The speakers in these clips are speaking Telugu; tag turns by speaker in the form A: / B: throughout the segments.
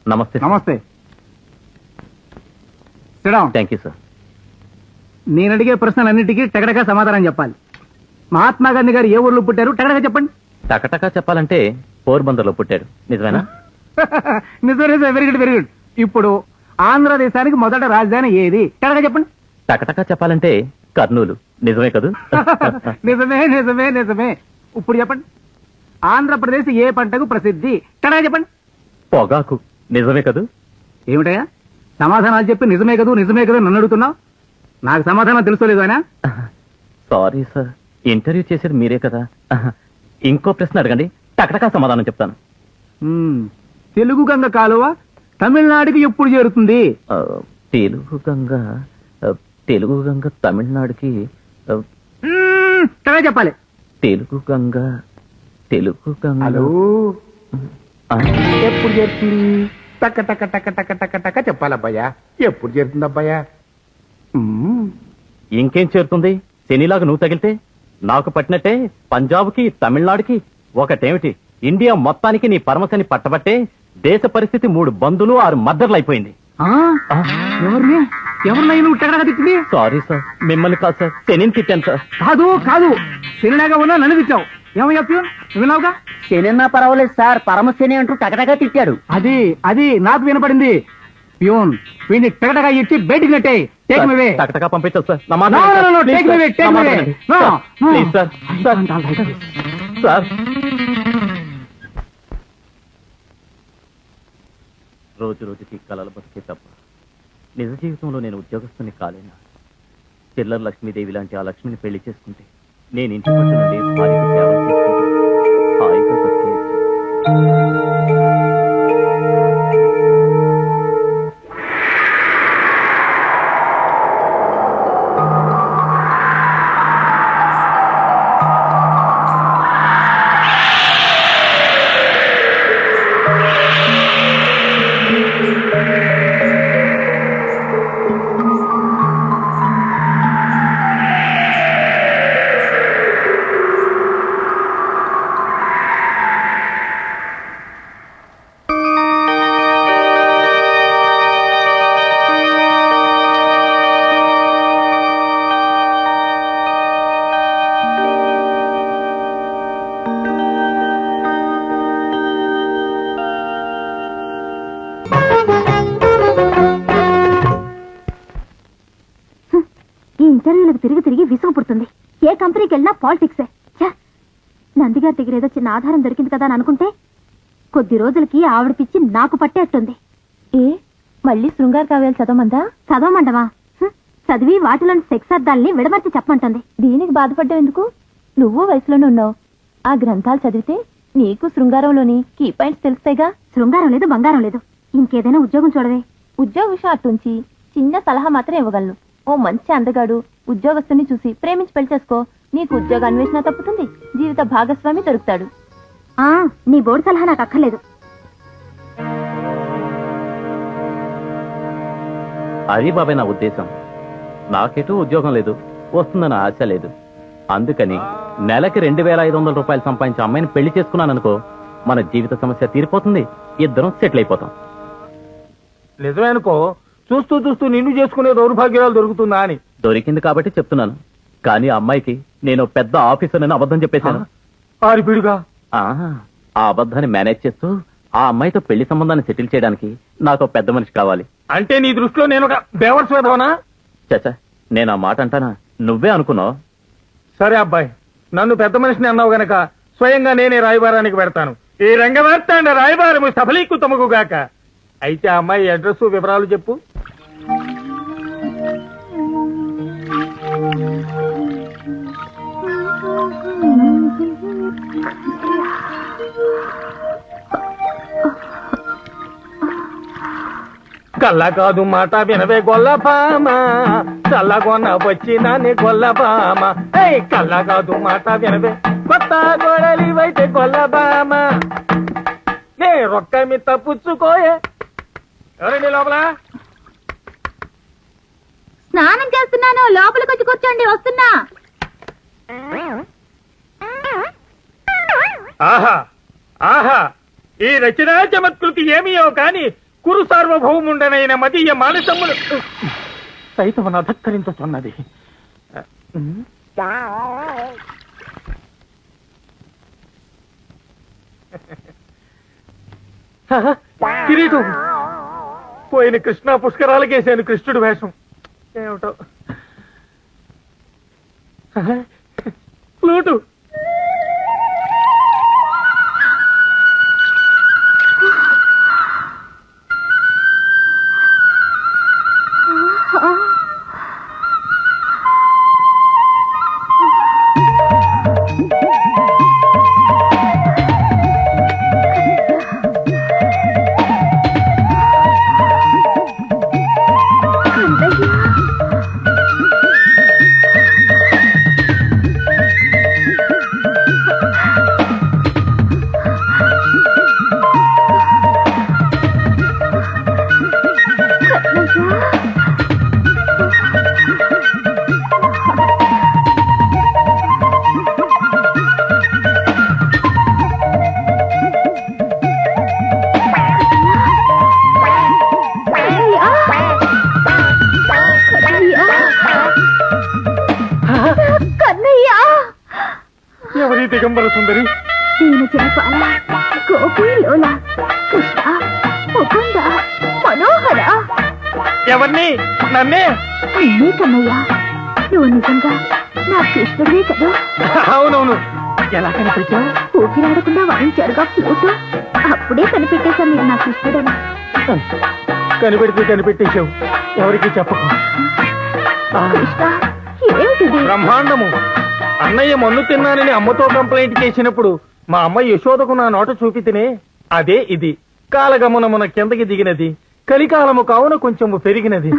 A: నమస్తే.
B: నమస్తే.
A: Thank you sir.
B: నేను అడిగే ప్రశ్నలన్నిటికీ టకటకా సమాధానం చెప్పాలి. మహాత్మా గాంధీ గారు ఏ ఊర్లో పుట్టారు? టకటకా చెప్పండి.
A: టకటకా చెప్పాలంటే పోర్బందర్లో పుట్టాడు. నిజమేనా?
B: నిజమే. Very good, very good. ఇప్పుడు ఆంధ్రదేశానికి మొదట రాజధాని ఏది? టకటకా చెప్పండి.
A: టకటకా చెప్పాలంటే కర్నూలు. నిజమే కదూ?
B: నిజమే నిజమే నిజమే. ఇప్పుడు చెప్పండి, ఆంధ్రప్రదేశ్ ఏ పంటకు ప్రసిద్ధి? టకటకా చెప్పండి.
A: పొగాకు. నిజమే కదూ?
B: ఏమిటయా సమాధానాలు చెప్పి నిజమే కదూ నిజమే కదూ నన్ను అడుగుతున్నావు? నాకు సమాధానం తెలుసుకోలేదు ఆయన.
A: సారీ సార్, ఇంటర్వ్యూ చేసేది మీరే కదా. ఇంకో ప్రశ్న అడగండి, టకటకా సమాధానం చెప్తాను.
B: తెలుగు గంగ కాలువ తమిళనాడుకి ఎప్పుడు చేరుతుంది?
A: తెలుగు గంగ తమిళనాడుకి
B: చెప్పాలి.
A: తెలుగు గంగ
B: ఎప్పుడు చేరుతుంది? టక్క టక్క టక్క టక్క టక్క టక్క చెప్పాలబ్బాయా. ఎప్పుడు చేరుతుంది అబ్బాయా?
A: ఇంకేం చేరుతుంది? శనిలాగా నువ్వు తగిలితే నాకు పట్టినట్టే పంజాబ్కి తమిళనాడుకి ఒకటేమిటి, ఇండియా మొత్తానికి నీ పరమశని పట్టబట్టే దేశ పరిస్థితి 3 బంధులు 6 మద్దర్లు అయిపోయింది.
B: ఎవరినై నువ్వు టగడగా తిట్టింది?
A: సారీ సార్, మిమ్మల్ని కాదు సార్, శనిని తిట్టాను సార్.
B: కాదు కాదు, శనిలాగా ఉన్నా నన్ను తిట్టావు. ఏమయ్యా ప్యూన్, విన్నావుగా?
C: శనిన్నా పర్వాలేదు సార్, పరమశని అంటూ టగటగా తిట్టాడు.
B: అది అది నాకు వినపడింది. ప్యూన్, వీడిని టగటగా ఇచ్చి బయటికి నెట్టే. Take me way.
A: టకటకా పంపించదు sir.
B: Take me way, take me way.
A: Please sir. Sir, రోజు రోజుకి కలలు బతికే తప్ప నిజ జీవితంలో నేను ఉద్యోగస్తుని కాలేనా? చిల్లర లక్ష్మీదేవి లాంటి ఆ లక్ష్మిని పెళ్లి చేసుకుంటే నేను ఇంటి పట్టు నుండి భార్యకు సేవలు చేసుకుంటే హాయిగా బతికేయచ్చు.
D: ఇంటర్వ్యూలకు తిరిగి తిరిగి విసుగు పుడుతుంది. ఏ కంపెనీకి వెళ్ళినా పాలిటిక్సే. నందిగారి దగ్గర ఏదో చిన్న ఆధారం దొరికింది కదా అని అనుకుంటే కొద్ది రోజులకి ఆవిడ పిచ్చి నాకు పట్టేట్టుంది. ఏ మళ్ళీ శృంగార కావ్యాలు చదవమంటవా? చదివి వాటిలోని సెక్స్ అర్థాలని విడమర్చి చెప్పమంటుంది. దీనికి బాధపడ్డావు ఎందుకు? నువ్వు వయసులోనే ఉన్నావు. ఆ గ్రంథాలు చదివితే నీకు శృంగారంలోని కీ పాయింట్స్ తెలుస్తాయిగా. శృంగారం లేదు, బంగారం లేదు. ఇంకేదైనా ఉద్యోగం చూడవే. ఉద్యోగ విషయం అట్టుంచి చిన్న సలహా మాత్రం ఇవ్వగలను. ఓ మంచి అందగాడు ఉద్యోగస్తుని చూసి ప్రేమించి పెళ్లి చేసుకో. నీకు ఉద్యోగ అన్వేషణ తప్పుతుంది, జీవిత భాగస్వామి దొరుకుతాడు. నీ బోర్డు సలహా నాకు అక్కర్లేదు.
A: అది బాబాయ్ నా ఉద్దేశం. నాకెటూ ఉద్యోగం లేదు, వస్తుందన్న ఆశ లేదు. అందుకని నెలకి 2500 రూపాయలు సంపాదించే అమ్మాయిని పెళ్లి చేసుకున్నాననుకో, మన జీవిత సమస్య తీరిపోతుంది, ఇద్దరం సెటిల్ అయిపోతాం.
B: నిజమే అనుకో. చూస్తూ చూస్తూ నిన్ను చేసుకునే దౌర్భాగ్యాలు దొరుకుతుందా అని.
A: దొరికింది కాబట్టి చెప్తున్నాను. కానీ అమ్మాయికి నేను పెద్ద ఆఫీసర్ అని అబద్ధం చెప్పేశాను.
B: ఆరిపిడుగా
A: ఆ అబద్ధాన్ని మేనేజ్ చేస్తూ ఆ అమ్మాయితో పెళ్లి సంబంధాన్ని సెటిల్ చేయడానికి నాకు పెద్ద మనిషి కావాలి.
B: అంటే నీ దృష్టిలో నేను ఒక బేవర్స్ వేదవనా?
A: చచ్చా, నేను ఆ మాట అంటానా? నువ్వే అనుకున్నావు.
B: సరే అబ్బాయి, నన్ను పెద్ద మనిషిని అన్నావు గనక స్వయంగా నేనే రాయబారానికి పెడతాను. ఈ రంగవార్తాండ రాయబారము సఫలీకృతముగాక. అయితే ఆ అమ్మాయి అడ్రస్ వివరాలు చెప్పు. కళ్ళ కాదు మాట వినవే గొల్లపామ, చల్లగొన్న వచ్చినాని గొల్లబామ. కళ్ళ కాదు మాట వినవే కొత్త గొడలివైతే గొల్లబామ. నే రొక్క మీ తప్పుచ్చుకోయే. ఎవరండి లోపల?
D: స్నానం చేస్తున్నాను, లోపలికి వచ్చి కూర్చోండి, వస్తున్నా.
B: ఆహా ఆహా, ఈ రచనా చమత్కృతి ఏమియో కాని కురు సార్వభౌముండనైన మదీయ మానసమ్ములు సైతం అధక్కరించుతున్నది. కిరీటం పోయిన కృష్ణా పుష్కరాలకేసాను కృష్ణుడు వేషం. ఏమిటో ఫ్లూటు. ఎవరి దిగంబర సుందరి?
D: దీని జనపాల గోపి లోల కృష్ణ ముకుంద మనోహర.
B: ఎవరిని? నన్నే?
D: అన్నీ కన్నయ్య, నువ్వు నిజంగా నా కృష్ణుడివే కదా?
B: అవునవును. ఎలా కనిపించావు?
D: ఊపిరాడకుండా వాయించారుగా ఫ్లూటు. అప్పుడే కనిపెట్టేశా మీరు నా కృష్ణుడని.
B: కనిపెట్టేశావు. ఎవరికి చెప్పకు.
D: కృష్ణ ఏమిటిది?
B: బ్రహ్మాండము. అన్నయ్య మన్ను తిన్నానని అమ్మతో కంప్లైంట్ చేసినప్పుడు మా అమ్మ యశోదకు నా నోట చూపితేనే అదే ఇది. కాలగమనమున కిందకి దిగినది, కలికాలము కావున కొంచెము పెరిగినది.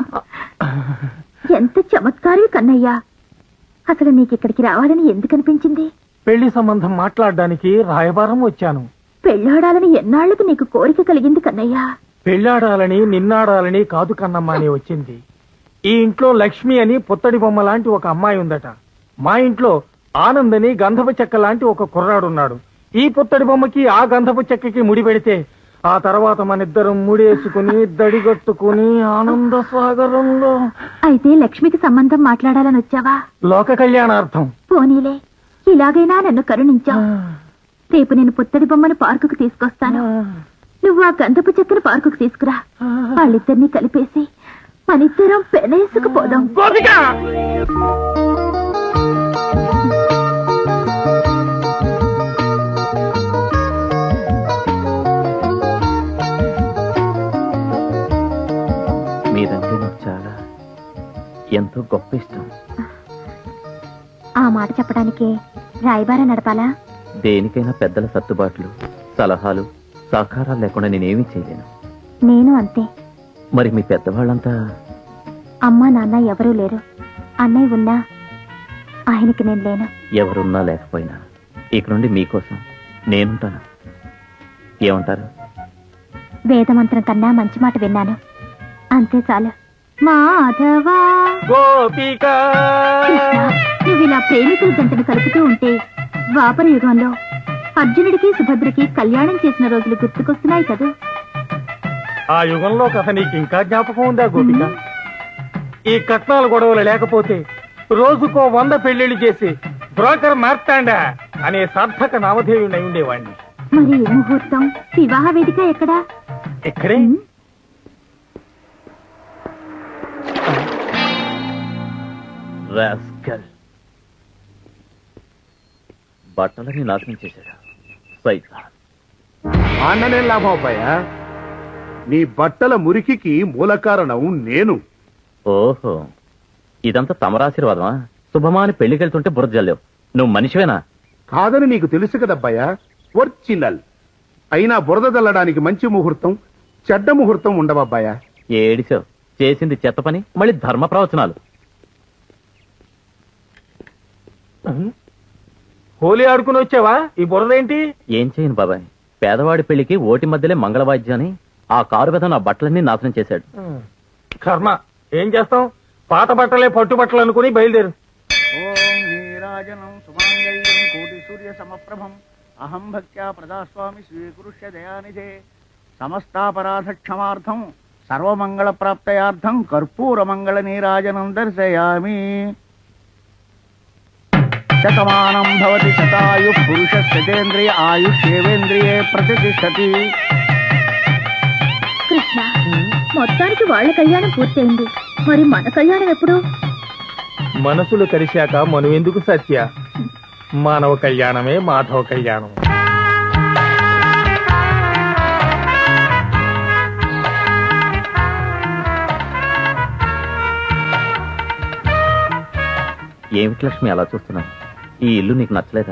D: ఎంత చమత్కారి కన్నయ్య. అసలు నీకిక్కడికి రావాలని ఎందుకు అనిపించింది?
B: పెళ్లి సంబంధం మాట్లాడడానికి రాయబారం వచ్చాను.
D: పెళ్ళాడాలని ఎన్నాళ్లకు నీకు కోరిక కలిగింది కన్నయ్య?
B: పెళ్లాడాలని నిన్నాడాలని కాదు కన్నమ్మ అని వచ్చింది. ఈ ఇంట్లో లక్ష్మి అని పుత్తడి బొమ్మ లాంటి ఒక అమ్మాయి ఉందట. మా ఇంట్లో ఆనంద్ అని గంధపు చెక్క లాంటి ఒక కుర్రాడున్నాడు. ఈ పుత్తడి బొమ్మకి ఆ గంధపు చెక్కకి ముడి పెడితే ఆ తర్వాత మనిద్దరం ముడేసుకుని దడిగట్టుకుని ఆనంద సాగరంలో.
D: అయితే లక్ష్మికి సంబంధం మాట్లాడాలని వచ్చావా?
B: లోక కళ్యాణార్థం.
D: పోనీలే, ఇలాగైనా నన్ను కరుణించావు. రేపు నేను పుత్తడి బొమ్మను పార్కుకు తీసుకొస్తాను. నువ్వు ఆ గంధపు చెక్కను పార్కుకు తీసుకురా. వాళ్ళిద్దరినీ కలిపేసి మనిద్దరం పెనేసుకుపోదాం.
A: మీరంటే నాకు చాలా ఎంతో గొప్ప ఇష్టం.
D: ఆ మాట చెప్పడానికే రాయబార నడపాలా?
A: దేనికైనా పెద్దల సర్దుబాట్లు, సలహాలు, సహకారాలు లేకుండా నేనేమీ చేయలేను.
D: నేను అంతే.
A: మరి మీ పెద్దవాళ్ళంతా?
D: అమ్మా నాన్న ఎవరూ లేరు. అన్నయ్య ఉన్నా ఆయనకి నేను లేను.
A: ఎవరున్నా లేకపోయినా ఇక నుండి మీకోసం నేనుంటాను. ఏమంటారు?
D: వేదమంత్రం కన్నా మంచి మాట విన్నాను, అంతే చాలు. మాధవా
B: గోపిక.
D: కృష్ణ, నువ్వు ఇలా ప్రేమికుల జంటను కలుపుతూ ఉంటే ద్వాపర యుగంలో అర్జునుడికి సుభద్రకి కళ్యాణం చేసిన రోజులు గుర్తుకొస్తున్నాయి కదా.
B: ఆ యుగంలో కథ నీకు ఇంకా జ్ఞాపకం ఉందా గోపిక? ఈ కట్నాల గొడవలు లేకపోతే రోజుకో 100 పెళ్లిళ్లు చేసి బ్రోకర్ మార్తాండా అనే సార్థక నామధేయుడై ఉండేవాణ్ణి.
D: మరి ఈ ముహూర్తం, వివాహ వేదిక ఎక్కడా?
B: ఇక్కడే.
A: రాస్కల్. బట్టలని నాశనం చేశాడు సైతాన్.
E: అన్ననే లాభం అబ్బాయా. నీ బట్టల మురికికి మూల కారణం నేను.
A: ఓహో, ఇదంతా తమరాశీర్వాదమా? శుభమాని పెళ్లికెళ్తుంటే బురద జల్లేవు. నువ్వు మనిషివేనా?
E: కాదని నీకు తెలుసు కదబ్బాయా. ఒరిజినల్ అయినా బురద చల్లడానికి మంచి ముహూర్తం, చెడ్డ ముహూర్తం ఉండవబ్బాయా.
A: ఏడిసావు. చేసింది చెత్త పని, మళ్ళీ ధర్మ ప్రవచనాలు.
B: హోలీ ఆడుకుని వచ్చావా? ఈ బురదేంటి?
A: ఏం చేయను బాబాయ్, పేదవాడి పెళ్లికి ఓటి మధ్యలే మంగళవాద్యాన్ని ఆ కారు మీద నా బట్టలన్నీ నాశనం చేశాడు.
B: కర్మ. ఏం చేస్తాం? పాత బట్టలే పట్టు బట్టలు అనుకుని బయలుదేరు.
F: ఓం నీరాజనం సుమాంగళ్యం కోటి సూర్య సమప్రభం అహం భక్త్యా ప్రదాస్వామి స్వీకృష్య దయానిధే సమస్తాపరాధ క్షమార్థం సర్వమంగళ ప్రాప్తయార్థం కర్పూర మంగళ నీరాజనం దర్శయామి. శతమానం భవతి శతాయు పురుష శతేంద్రియ ఆయుష్యేవేంద్రియే ప్రతిష్టతి.
D: కృష్ణ, మొత్తానికి వాళ్ళ కళ్యాణం పూర్తయింది. మరి మన కళ్యాణం ఎప్పుడు?
B: మనసులు కలిశాక మనువెందుకు సత్య? మానవ కళ్యాణమే మాధవ కళ్యాణం.
A: ఏమిటి లక్ష్మి అలా చూస్తున్నావు? ఈ ఇల్లు నీకు నచ్చలేదా?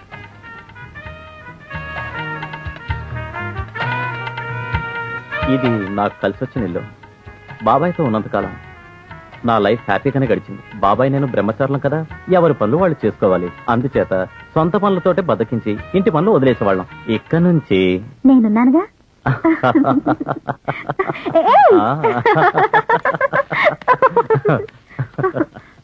A: ఇది నాకు కలిసి వచ్చిన ఇల్లు. బాబాయ్తో ఉన్నంతకాలం నా లైఫ్ హ్యాపీగానే గడిచింది. బాబాయ్ నేను బ్రహ్మచారులం కదా, ఎవరి పనులు వాళ్ళు చేసుకోవాలి. అందుచేత సొంత పనులతోటే బద్దకించి ఇంటి పనులు వదిలేసేవాళ్ళం. ఇక్కడ నుంచి
D: నేనున్నానుగా.
A: ఆ.